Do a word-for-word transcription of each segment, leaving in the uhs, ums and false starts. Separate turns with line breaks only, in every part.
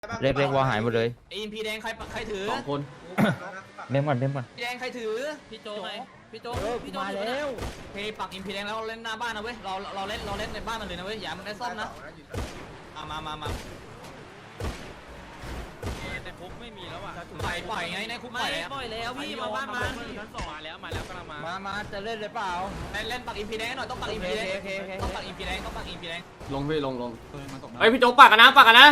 เล็กเล็กวอหายหมดเลย
อินพีแดงใครใครถือ
สองคน
เมมก่อนเมมก่อน
พีแดงใครถือ
พี่โจ๊กไงพี่โจ๊ก
เออ
พี่โจ๊ก
มาแล้ว
เพย์ปักอินพีแดงแล้วเล่นหน้าบ้านนะเว้ยเราเราเล่นเราเล่นในบ้านมันเลยนะเว้ยอย่ามันได้ซ่อมนะมามามามา
ในคุกไม่มีแล้วอ่ะ
ปล่อยปล่อยไงในคุกป
ไม่
ล่อยแล้ว
ปล่อยแล้วพี่มาบ้านมันมาแล้วมาแล้วกำลังมา
มามาจะเล่นเลยเปล่า
เล่นเล่นปักอินพีแดงหน่อยต้องปักอินพีแดงต้องปักอินพีแดงต้องปักอินพีแดง
ลงพี่ลงลงเฮ้ยพี่โจ๊กปากกันนะปากกันนะ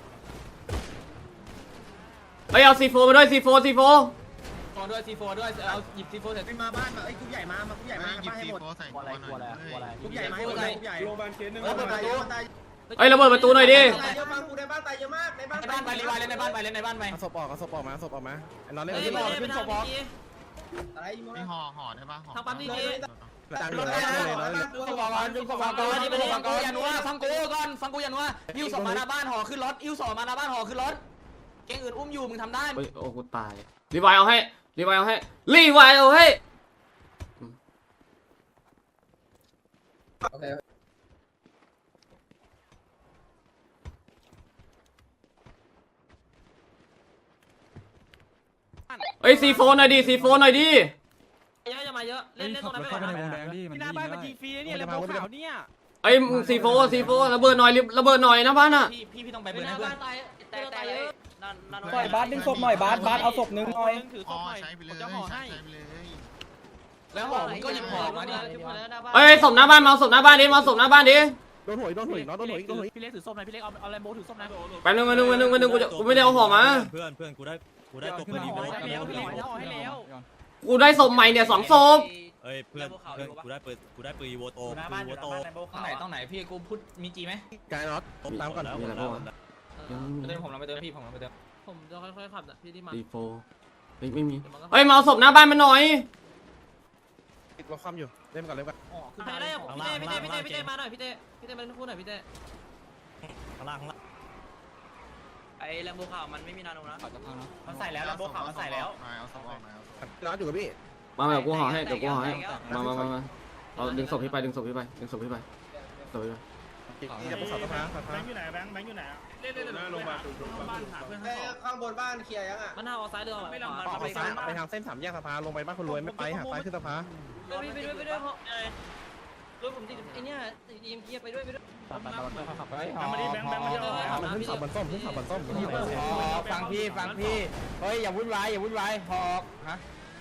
เฮ้ยเอาซีโฟมาด้วยซีโฟซีโฟ
โฟด้วยซีโฟด้วยเอาหยิบซีโฟเสร็จ
มาบ้านมาไอ้กรุ๊ปใหญ่มา มากรุ๊ปใหญ่มาบ้านให้หมด
ใส่หัวหน่อย
กรุ๊ปใหญ่มาให้หมดเลยกรุ๊ปใหญ่โรงพยาบาลเคสหนึ่ง
เปิดประตู
เฮ้ยระเบิดประตูหน่อยดิ
ตายเยอะมากกูในบ้านตายเยอะมากในบ้าน
ในบ้านไปรีไวเล่นในบ้านไปเล่นในบ้านไป
เอาศพออกเอาศพออกมาเอาศพออกมาไอ้นอนเล่น
เฮ้ย
ที่
ไม่
บอล
ได้
ขึ้
ไม่
น
ได้
ศพออก
อะไรอีโม
ไม่ห่อห่อได้ป่ะห่อ
ทางปั๊มนี่เจ๊
ตังค์อยู่แล้วเลยนอนเล่น
ฟังก่อนฟังก่อนฟังก่อนฟังก่อนอย่านัวฟังกูก่อนฟังกูอย่านัวอิ้วสอบมาหน้าบ้านห่อขึ้นรถอิ้วสอบมาหน้าบ้านห่อขึ้นรถเก่งอื่นอุ้มอยู่มึงทำได้
เฮ้ยโอ้กูตายรีไวล์เอาให้รีไวล์เอาให้รีไวล์เอาให้เฮ้ยซีโฟหน่อยดิซีโฟหน่อยดิ
เยอะจะมาเยอะเล่นเล่นตรงนั้นไปก่อนหน้าบ้านมันจีฟรีเนี่ยเลยพวกขาวเนี่ย
ไอ้ซีโฟซีโฟระเบิดหน่อยระเบิดหน่อยนะบ้านอ่ะ
พี่พี่พี่ต้องไปเบิ
ห
ร์น
น้า
ให้เพื่อ
บ้าน นตายแต่แต่เยอะ
ปล่อยบาสดึงศพหน่อยบาสบาสเอาศพนึงหน่อย
ถือศ
ห่อ
พหน่อย
ใช้ไปเลย
จะห่อ
ใช้
ให้
ไปเลย
แล้วห่อมึงก็หยิบห่อมาดิ
เฮ้ยศพหน้าบ้านมาศพหน้าบ้านดิมาศพหน้าบ้านดิ
โดนหวยโดนหวยน้องโดนหวยโดนหวย
พี่เล็กถือส้มนะพี่เล็กเอาเอาแลมโบถือส้มนะ
ไปนึงมานึงมานึงมานึงกูจะกูไม่ได้เอาห่อมา
เพื่อนเพื่อนกูได้กูได้ตัวปืนดี
ห่อให้แล้วพี่เล็กห่อให้แล้ว
กูได้ศพใหม่เนี่ยสองศพ
เอ้ยเพื่อนเพื่อนกูได้ปืนกูได้ปืนอีโวโตปืนอีโวโต
ต้องไหนต้องไหนพี่กูพูดมีจีไหม
กายน็อตตามก่อน
แล้ว
มีอะไรบ้างวะ
ไปเติมผมเราไปเติมพี่ผมเราไปเติม
ผมจะค่อยๆขับนะพี่ที่มา
ซีโฟเฮ้ยไม่มีเฮ้ยมาเอาศพหน้าบ้านมาหน่อย
เราคว่ำอยู่เล่นก่อนเล่นก่อน
ใครได้พี่เต้พี่เต้พี่เต้พี่เต้มาหน่อยพี่เต้พี่เต้มาเล่นคู่หน่อยพี่เต้
ข้างล่างข้างล่าง
ไอ้แลมโบขาวมันไม่มีนาโนนะ
มันใส่แล้วโบขาวมันใส่แล้วเอาสองเอาสอง
น็อตอยู่กับพี่
มาแบบกูห่อให้เดี๋ยวกูห่อให้มามามามาเราดึงศพพี่ไปดึงศพพี่ไปดึงศพพี่ไปศพพี่ไป
นี่จะไปสอบสภาสภา
แบงค์อยู่ไหนแบงค์แบงค์อยู่ไหน
เล่นเล่นเล่นโรงพยาบาลบ้านหาเพื่อนข้างสอง
ข้างบนบ้านเคลียร์ยังอ่ะ
มันหาออกซ้ายเรือไม่ลำบาก
ออกไปซ้ายไปทางเส้นสามแยกสภาลงไปบ้านคนรวยไม่ไปหาซ้ายขึ้นสภา
ไปด้วยไปด้วยไปด้วยเพราะรถผมติดไอ้เนี่ยติดอีเอ็มเกียร์ไปด้วยไปด้วย
มาดิแบงค์แบงค์มาดิ
มันขึ้นเสาบนส้มขึ้นเสาบนส้ม
ฟังพี่ฟังพี่เฮ้ยอย่าวุ่นวายอย่าวุ่นวายหอกฮะ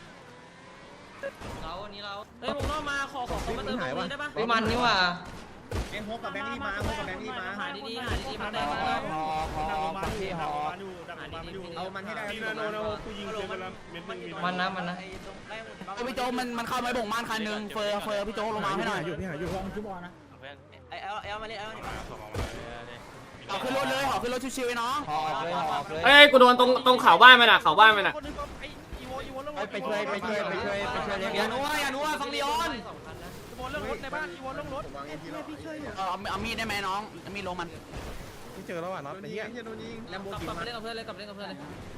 เราอันนี้เราเฮ้ยผมต้องมาขอขอมาเติมตรงนี้ได้ปะ
มันนี่ว่ะ
แบงค์โฮกับแบงค์นี่มาโฮกับแบงค์นี่มา
หาดีๆหาดีๆมาได้
ห
มา
อกหอกฟังพี่หอก
หาดีๆ
เอามันให้ได้นาโนนาโนกูยิงเลยกันแล้วเม็ดนึง
มันนะมันนะพี่โจมันมันเข้าไม้บ่งบ้านคันหนึ่งเฟอร์เฟอร์พี่โจลงมาให้หน่อย
อยู่พี่หาอยู่
ไอ้เอลเอลมาเลยเอล
หอกขึ้นรถเลยหอกขึ้นรถชิวๆไอ้น้องหอกเลยหอกเลย
เฮ้ยกูโดนตรงตรงเขาบ้านมันอ่ะเขาบ้านมันอ่ะ
ไปช่วยไปช่วยไปช่วยไปช่วยเลี้ยง
อย่านัวอย่านัวฟังลีออน
เรื่องรถในบ้านอีวอนเรื่องรถ
เอาเอามีดได้ไหมน้องมีดลงมัน
ที่เจอแล้วอ่ะน็อตไอ้เหี้ย
แลมโบ
ก
กิ
ลับ
มา
มาเล่นกับเพื่อนเลยกลับเล่นกับเพื่อนเลย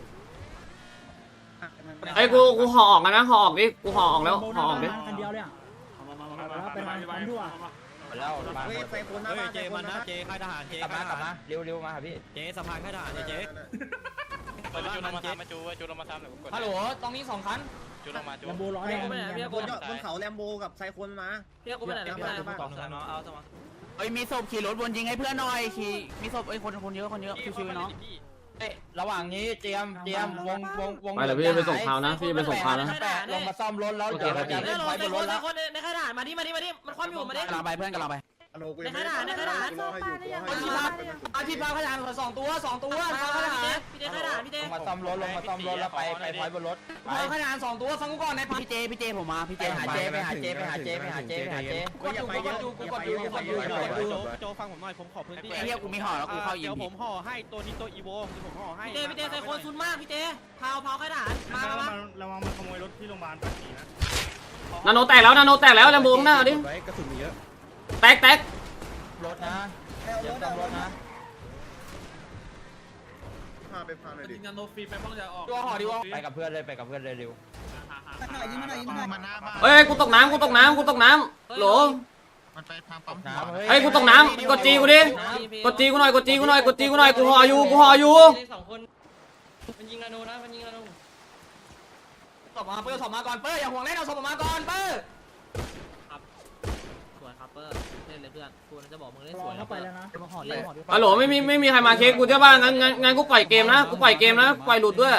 ไอ้กูกูห่อออกกันนะห่อออกดิกูห่อออกแล้วห่อออกดิ
คันเดียวเลยอ่ะไปทางปั๊มทั่ว
แล้ว
เฮ้ยไฟโคนหน้า
เฮ้ย
บ้าน
เจมันนะเจค่ายทหารเจ
กลับ
ค่าม
าย ก
ท
ลับ
หาร
มาเร็วเร็วมาหาพี่
เจสะพานค่ายทหารเจเปิดบ้านมันเจ
ฮัลโหลตรงนี้สองคัน
แลมโบร้อยบนบนเขาแลมโบกับไซโคนมา
พี่กูไปไหนพี่ไปไหน
สองสามเอาสมอง
เฮ้ยมีศพขี่รถวนยิงให้เพื่อนหน่อยขี่มีศพไอ้คนคนเยอะคนเยอะชิวๆน้องระหว่างนี้เตรียมเตรียมวงวงวง
ไปเลยพี่ไปส่งข่าวนะพี่ไปส่งข่าวนะ
แปะลงมาซ่อมรถแล้วเดี๋ยวเราจะ
เล่
เล่
น
น
ร
ไฟ
ถ
บ
ใน
นร
คน
ถ
ในคนในขนาดมาดิมาดิมาดิมันคว่ำอยู่มาดิ
กำลังไปเพื่อนกำลังไป
ในขนาดในขนาด
อาชีพอาชีพพาขยันสองตัวสองตัวพาขยัน
พี่เต้ขนาดพี่เต้
ลงมาซ่อมรถลงมาซ่อมรถแล้วไปไปไฟบนรถไป
พาขยันสองตัวฟังกูก่อนในพัน
พี่เจพี่เจผมมาพี่เจหาเจไปหาเจไปหาเจไปหาเจไปหาเจ
กดอยู่กดอยู่กดอยู่กดอยู่กดอยู่
โจฟังผมหน่อยผมขอพื้นที่
ไอ้เหี้ยกูมีห่อแล้วกูเข้ายิ
เดี๋
ง
ยวผมห่อให้ตัวนี้ตัวอีโวผมห่อให้
พี่เต้พี่เต้ใส่คนซุนมากพี่เต้เผาเผาขนาดมามามา
ระวังมันขโมยรถที่โรงพยาบาลปักกิ่งนะ
นาโนแตกแล้วนาโนแตกแล้วแลมโบงหน้าดิ
ไว้กระสุนมีเยอะ
แตกแตก
รถนะเดี๋ยวซ่อมรถนะ
พาไปพาหน่อยดิ
งานโนฟีไปบ้างจะออก
ตัวห่อดีวะ
ไปกับเพื่อนเลยไปกับเพื่อนเลยเร็ว
มาหน้าบ้าน
เฮ้ยกูตกน้ำกูตกน้ำกูตกน้ำโหล
มามันไปทางปั๊ม
เฮ้ยกูตกน้ำกดจีกูดิกดจีกูหน่อยกดจีกูหน่อยกดจีกูหน่อยกูห่ออยู่กูห่ออยู่
สองคนมันยิงนาโนนะมันยิงนาโนศพมาเปิ้ลศพมาก่อนเปิ้ลอย่าห่วงเล่นเอาศพมาก่อนเปิ้ลสวยครับเปิ้ลเล่นเลยเพื่อนกูจะบอกมึงเล่นสวยเข้าไปแล้วนะมาห่อเล่นห่อด้วย
ฮัลโหลไม่มีไม่มีใครมาเค้กกูใช่ป่ะงั้นงั้นงั้นกูปล่อยเกมนะกูปล่อยเกมนะปล่อยหลุดด้วย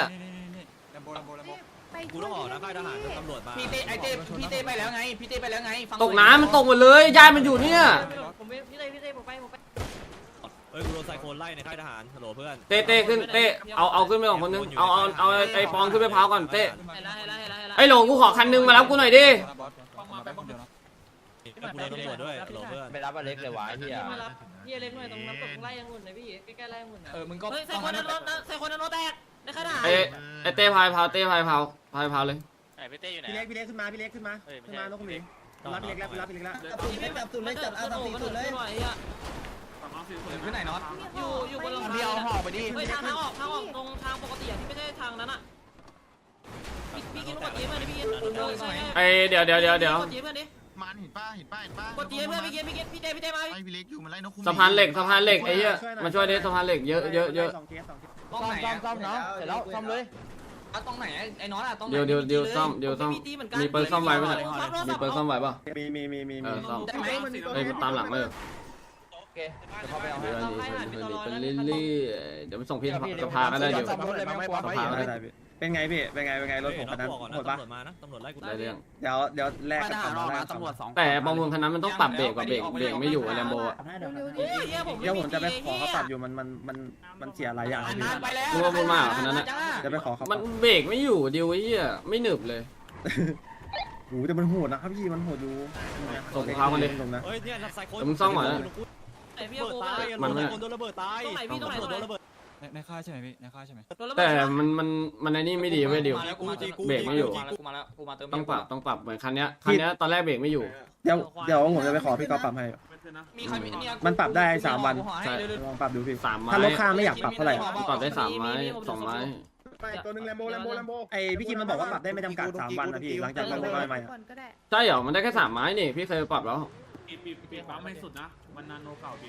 กูต้องออกนะค่ายทหารตำรวจมา
พี่เต้ไอเต้พี่เต้ไปแล้วไงพี่เต้ไปแล้วไง
ตกน้ำมันตกหมดเลยยายมันอยู่เนี่ย
ผมพี่เต้พี่เต้ผมไปผมไป
เฮ้ยกูโดนไซโคนไล่ในค่ายทหารฮัลโหลเพื่อน
เต้เต้ขึ้นเต้เอาเอาขึ้นไปก่อนคนนึงเอาเอาเอาไอ้ปองขึ้นไปพาวก่อนเต้
เห็นแล้วเห็นแล้วเห็นแล้วเห็นแล้ว
ไอ้หลงกูขอคันนึงมารับกูหน่อยดิ
กูโดนตำรวจด้วยฮัลโหลเพื่อน
ไปรับอเล็กเลยวะเฮีย
มารับพี่เล็กหน่อยตรงน้ำตกไล่ยังหุ่นหน่อยพี่ใกล้ๆไล่ยังหุ่นนะ
เออมึงก็
เฮ้ยใส่คนนั้นรถนะใส่คนนั้นรถแตกในขนาด
ไอ้ไอ้เต้พายพาวเต้พายพาวพายพาวเลย
ไอพี่เต้อยู่ไหน
พี่เล็กพี่เล็กขึ้นมาพี่เล็กขึ้นมาขึ้นมาน้องคุณหมิงรับพี่เล็กแล้วรับพี่เล็กแล้ว
พี่เล็กจับตุ่นเลยจับอาสามสี่ตุ่นเลยหน่อยอ่ะ
ขึ้นไหนน็อต
อยู่อยู่บนหลัง
พี่เอาห่อไปดิ
เฮ้ยทางทางออกทางออกตรงทางปกติอ่ะที่ไม่ใช่ทางนั้นอ่ะพี่กินกดจีเพื่อนดิพี่กิน
ไอ้เดี๋ยวเดี๋ยวเดี๋ยวเดี๋ยว
กดจีเพื่อนดิ
มันเห็นป้าเห็นป้าเห็นป้าก
ดจีเพื่อนพี่กินพี่กินพี่เต้พี่เต้มา
ไอพี่เล็กอยู่มันไล่นกคุ้ม
สะพานเหล็กสะพานเหล็กไอ้เหี้ยมาช่วยดิสะพานเหล็กเยอะเยอะเยอะ
สองเคสสองเคส
ซ่อมซ่อมซ่อมเนาะเสร็จแล้วซ่อมเลยอ่ะตรงไหนไอ้น็อตอ่ะตรงไหน
เดี๋ยวเดี๋ยวเดี๋ยวซ่อมเดี๋ยวซ่อมมีเปิร์ซ่อมไว้ไหมเนี่ยมีเปิร์ซ่อมไว้ป่ะ
มีมีมีมี
เอ
มี
อซ่อม
ได้ไหม
เฮ้ยตามหลังมาเลย
โอเคเดี๋ยวเขาไปเอาให้
เดี๋ยวนี้เป็นเรื่อยๆเดี๋ยวมันส่งพี่สภาก็ได้อยู่
ซ่อมรถเลยไม่กลัว
สภาก็
ได้
ได้
ได้พี่เป็นไงพี่เป็นไงเป็นไงรถผมคันนั้น
บอกก่อน
โห
นะ
ดปะ
ตำรวจมานะตำรวจไล่กู
ได้เรื่อง
เดี๋ยวเดี๋ยวแลก
มา
กัน
ทหาร
ก่
อ
อ
อน ก
แล
มาก
กัน
ตำรวจสอง
แต่ประมูลคันนั้นมันต้องปรับเบรกกับเบรกเบรกไม่อยู่อะแลมโบอะ
เดี๋ยวผม
เดี๋ยวผมจะไปขอเขาปรับอยู่มันมันมันมันเสียหลายอย่างพี่
นานไปแล้ว
รู้ว่าพูดมากคันนั้นอะ
จะไปขอเขา
มันเบรกไม่อยู่ดิวไอ้เหี้ยไม่หนึบเลย
โอ้แต่มันโหดนะครับพี่มันโหดอยู่
ส่งเขามาดิ
ตรงนะ
เฮ้ยเนี่ยไซโคน
แต่มึงซ่อมก่อนนะ
ไอพี่
เบิด
โก้
ตาย
มัน
ไซ
ไม่
โคนโดนระเบิดตาย
ตรงไหนพี่ตรงไหนตรงไหน
โดนระเบิด
ในค่ายใช่ไหมพี่ในค่ายใช่ไหม
แต่มันมันมันไอ้นี่ไม่ดีเว้ยดิว
มาแล้วกูมา
เบรกไม่อยู่
กูมาแล้วกูมาเติม
ต้องปรับต้องปรับเหมือนคันเนี้ยคันเนี้ยตอนแรกเบรกไม่อยู่
เดี๋ยวเดี๋ยวผมจะไปขอพี่กอล์ฟปรับให้
มีใครมีเนี่ย
มันปรับได้สามวัน
ใช่
ลองปรับดูพี่
สามไม้
ถ้ารถข้างไม่อยากปรับเท่าไหร่
ปรับได้สามไม้สองไม้
ตัวนึงแลมโบแลมโบแลมโบไอพี่คิมมันบอกว่าปรับได้ไม่จำกัดสามวันนะพี่หลังจากเราได้ใหม่
ก่อนก็ได้
ใช่เหรอมันได้แค่สามไม้นี่พี่เคยปรับแล้ว
ปีปีปีปั๊มไม่สุดนะมันนานโนเก่าพี่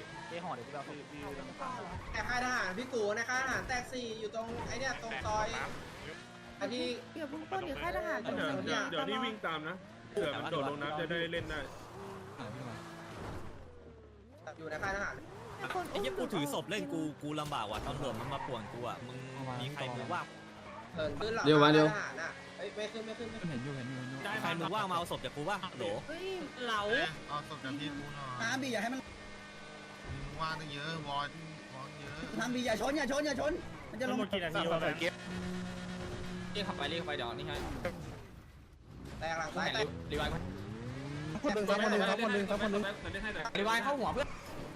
แต่ค่ายทหารพี่กูในค่ายทหารแตกสี่อยู่ตรงไอ้เนี่ยตรงซอยไอ้ที่
เดี๋ยวพุ่งต้นเดี๋ยวค่ายทหาร
เดี๋ยวเดี๋ยวเดี๋ยวนี่วิ่งตาม
นะเผื่อมันโดดลงน้ำจะได้เล่นได้
อยู่ในค่ายทหาร
ไอ้เหี้ยกูถือศพเล่นกูกูลำบากว่ะตำรวจมันมาป่วนกูอ่ะมึงมีใครมือว่าง
เหินขึ้นหลัง
เดี๋ยวมาเดี๋ยว
ทหารน่ะเอ้ยไม่ขึ้นไม่ขึ้นไม่ขึ้น
เห็นอยู่เห็นอยู่เห็นอยู่
ใครมือว่างมาเอาศพจากกูป่ะโหล
เฮ้ยเหลา
เอาศพจากพี่กูหน่อย
น้ำบีอย่าให้มัน
ว่างตั้งเยอะวอนวอนเยอะ
น้ำบีอย่าชนอย่าชนอย่าชนมันจะลง
เรียกขับไปเรียกไปเดี๋ยวนี่ให้
แตกหลังซ้ายแตก
รีไวล์
คนหนึ่งครับคนหนึ่งครับคนหนึ่งครับคนหนึ่ง
รีไวล์เข้าหัวเพื่อน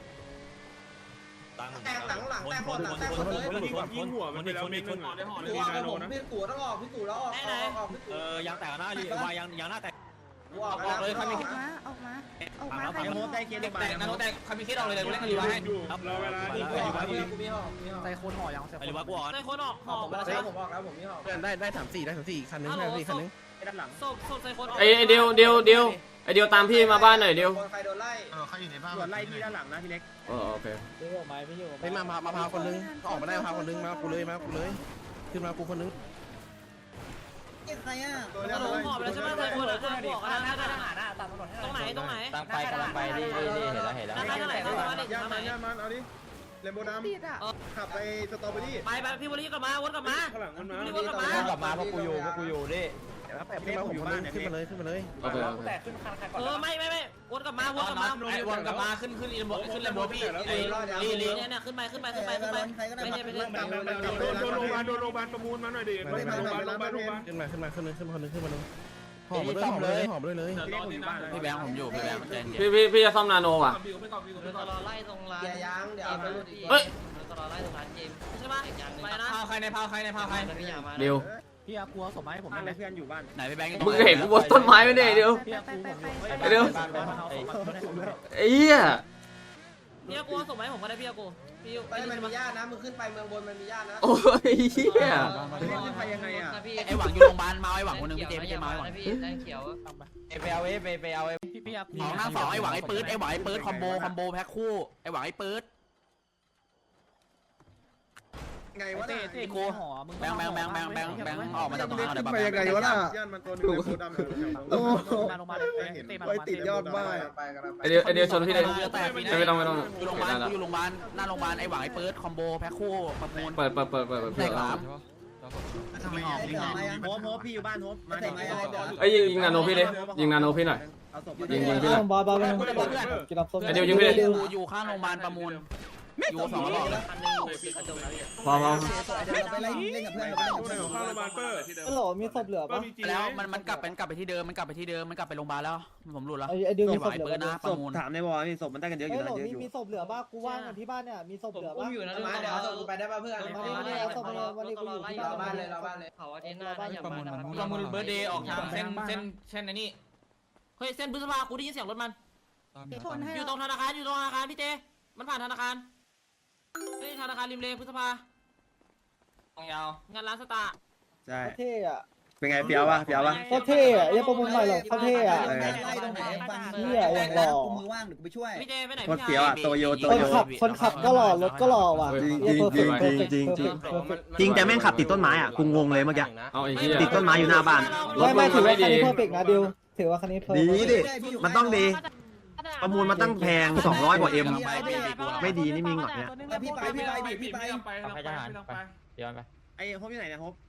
ตัง
แตกหลังหลังแตกหมดหลังแตกหมดเลย
ยิงหัวมันไปแล้วเม็ดนึง
พี่กูออกผมพี่กูต้องออกพี่กูแล้วออกออกออกพี่กู
เออยางแตกหน้ารีวายยางยางหน้าแตก
กูออกแล้ว
ออกมาออกมาออกมาใคร
ยัง
มี
โมได้เคส
เด็
เด็
ก
ก
แตกนะโน้ตแตกใครมีเคสออกเลยเลยกูเล่นกับรีไวล์ให้
ครับรอเวลา
กูออกแล้วกูมีหอกมีหอก
ใส่คนห่อยัง
ไอ้รีวายกูอ่อน
ใส่คนออกห
หอ
อก
ผมแล้วใช่ผมออกแล้วผมมีหอก
เพื่อนได้ได้สามสี่ได้สามสี่คันนึงได้สี่คันนึง
ด้านหลัง
ศพศพใส่คนออก
ไอ้ไอ้เดียวเดียวเดียวไอ้เดียวตามพี่มาบ้านหน่อยเดียว
คนใครโดนไล่
เออเขาอยู่ในบ้าน
ส่วนไล่พี่ด้านหลังนะพี่เล็ก
เออโอเค
ไปมามามาพาคนนึงเขาออกมาได้พาคนนึงมากูเลยมากูเลยขึ้นมากูคนนึง
ใครอ่ะ
ตัว
ก
เล็
ระ
ก
โด
เล
ด
ย
หอบแล้วใช่ไหมใส่คนอ่ะบอกนะนะนะตรงไหนตรงไหน
ตั้งไปกำลังไปนี่นี่เห็นแล้วเห็นแล้ว
นะนะไหนตรงไหน
ย่า
ตรงไหน
มันย่ามันเอาดิแลมโบด
ติดอ่ะ
ำขับไปสตรอเบอรี่
ไปไปพี่วลีกลับมาวนกลับมา
ข้างหลังมันมา
พี่วนกลับมา
กลับมาเพราะกูอยู่เพราะกูอยู่นี่
เดี๋ยวขึ้นมาผมคนนึงขึ้นมาเลยขึ้นมาเลย
โอเคโอเค
เออไม่ไม่ไม่วนกลับมาวนกลับมา
ไอ้วนกลับมาขึ้นขึ้นอีโบขึ้นเลโบพี่ไอ้ลี
ลี
ลี
เนี่ยเนี่ยขึ้นไปขึ้นไปขึ้นไปขึ้นไปไม่ใช่ไม่ใช่
โดนโรงพยาบาลโดนโรงพยาบาลประมูลมาหน่อยดิโรงพยาบาลโรงพยาบาลโรงพยาบาล
ขึ้นมาขึ้นมาขึ้นนึงขึ้นมาคนนึงขึ้นมานึงหอมมาเลยหอมเลยหอมเลยเลย
พี่เล็กผมอยู่บ้าน
พี่แบงค์ผมอยู่พี่แบงค์ใจเย็น
พี่พี่พี่จะซ่อมนาโนว่ะ
ตลอดไล่ตรงร้าน
อย่ายังเดี๋ยวเอาไปรูดอีก
เฮ้ย
ตลอดไล่ตรงร้านเกมใช่ปะไปนะ
พาวใครในพาวใครในพาวใคร
เดียว
พี่อากูเอาศพมาให้ผม
บ้านเพื่อนอยู่บ้าน
ไหนพี่แบงค์
มึงเห็นกูบนต้นไม้ไหมเนี่ยเดียว
ไปไปไปไป
เดี๋ยว ไอ้เหี้ย
พี่อากูส่งมาให้ผมก็ได้พี่อากูพี่
ไปมันมีญาตินะมึงขึ้นไปเมืองบนมันมีญาตินะ
โอ้ยเฮีย
ขึ้นไปยังไงอ่ะ
ไอ้หวังอยู่โรงพยาบาลมาไอ้หวังคนนึงพี่เจพี่เจมาไอ้หวัง
ไปเอาเอไปไปเอาเอพี่พี่
สองหน้าสองไอ้หวังไอ้ปื๊ดไอ้หวังไอ้ปื๊ดคอมโบคอมโบแพ็คคู่ไอ้หวังไอ้ปื๊ด
ไงวะ
เต้
น่ะ
เต้กูห่อมึง
แบงแบงแบงแบงแบงแบงออกมาจากตรงนั้นเดี๋ยว
ไปยังไงวะน่ะ
ย่านมันตัวนึงโคดำเลย
โอ้โห
มาลงมาเต้มา
ไปติดยอดบ้า
ไปกันไป
ไอเดียวไอเดียวชนพี่เลย
แต่ปีนี้
ไม่ต้องไม่ต้อง
อยู่โรงพยาบาลอยู่โรงพยาบาลหน้าโรงพยาบาลไอ้หวังไอ้ปื๊ดคอมโบแพ็คคู่ประมูล
เปิดเปิดเปิดเปิดเปิด
แตกหลาม
ทำไมออกไม่ออก
โฮปโฮปพี่อยู่บ้านโฮปมาไหน
ไอ้ยิงยิงนาโนพี่เลยยิงนาโนพี่หน่อย
เอาศพ
ยิงยิงพี่หน่อย
บอลบอล
กินน้ำส้ม
ไอเดียวยิงพี่เลย
อยู่ข้างโรงพยาบาลประมูลอยู่สองรอบ
พอพอ
ไปไล่เล่นกับเพื่อนเราไปเล่นกับเพื่อน
ข้าวโรงพยาบาลเปอร์
ฮัลโหลมีศพเหลือปะ
แล้วมันมันกลับเป็นกลับไปที่เดิมมันกลับไปที่เดิมมันกลับไปโรงพยาบาลแล้วผมหลุดแล้ว
ไอเดียว
ไอ้
มี
ห
ศ
วั
พ
ง
เห
ไอ้
ลื
ปื๊
อ
ดนะป
ศ
ระ
พ
มูล
ถามในวอลนี่ศพมันได้กันเยอะอยู่
ฮัล
นะ
โหล
เยอะ
มี
อยู่
มีศพเหลือปะกูว่างที่บ้านเนี่ยมีศพเหลือปะ
มาเดี๋ยวเอาศพไปได้ป่ะเพื่อน
มาเนี่ยเอาศพมาเลยวันนี้กูอยู่ที่
เรา
บ้าน
บ้านเลยเราบ้านเลย
เผาอาทิตย์หน้าอย่ามาประมูลเบอร์เดย์ออกทางเส้นเส้นเส้นไอ้นี่เฮ้ยเส้นพฤษภากูได้ยินเสียงรถมัน
ชนให้
อยู่ตรงธนาคารอยู่ตรงธนาคารพี่เจมันผ่านธนาคารเฮ้ยธนาคารริมเลพฤษภาตรงยาวงานร้านสตาร์
ใช่
เท่อะ
เป็นไงเปียววะเปียววะ
ก็เท่อะอย่าประมูลใหม่หรอกเขาเท่อะ
ไล่ตรงไหนบ้าน
เฮียอย่างหล่อ
มือว่างเดี๋ยวกูไปช่วย
พี่เจไปไหน
โคตรเปียวอ่ะโตโยโต
คน
โย
ขับคนขับก็หล่อรถก็หล่อว่ะ
จริงจริงจริงจริงจริงจริงแต่แม่งขับติดต้นไม้อ่ะกูงงเลยเมื่อกี้
เอาไอ้เหี้ย
ติดต้นไม้อยู่หน้าบ้าน
ไม่ไม่ถือว่าคันนี้เพอร์เฟกต์นะดิวถือว่าคันนี้เพอร์
ดี
เฟกต์
ดิมันต้องดีประมูลมันตั้งแพงสองร้อยกว่าเอ็มไม่ดีนี่มีหงอดเนี่ย
พี่ไปพี่ไปดิพี่ไป
ไปทหารไปย้อนไป
ไอ้โฮปอยู่ไหนเนี่ยโฮป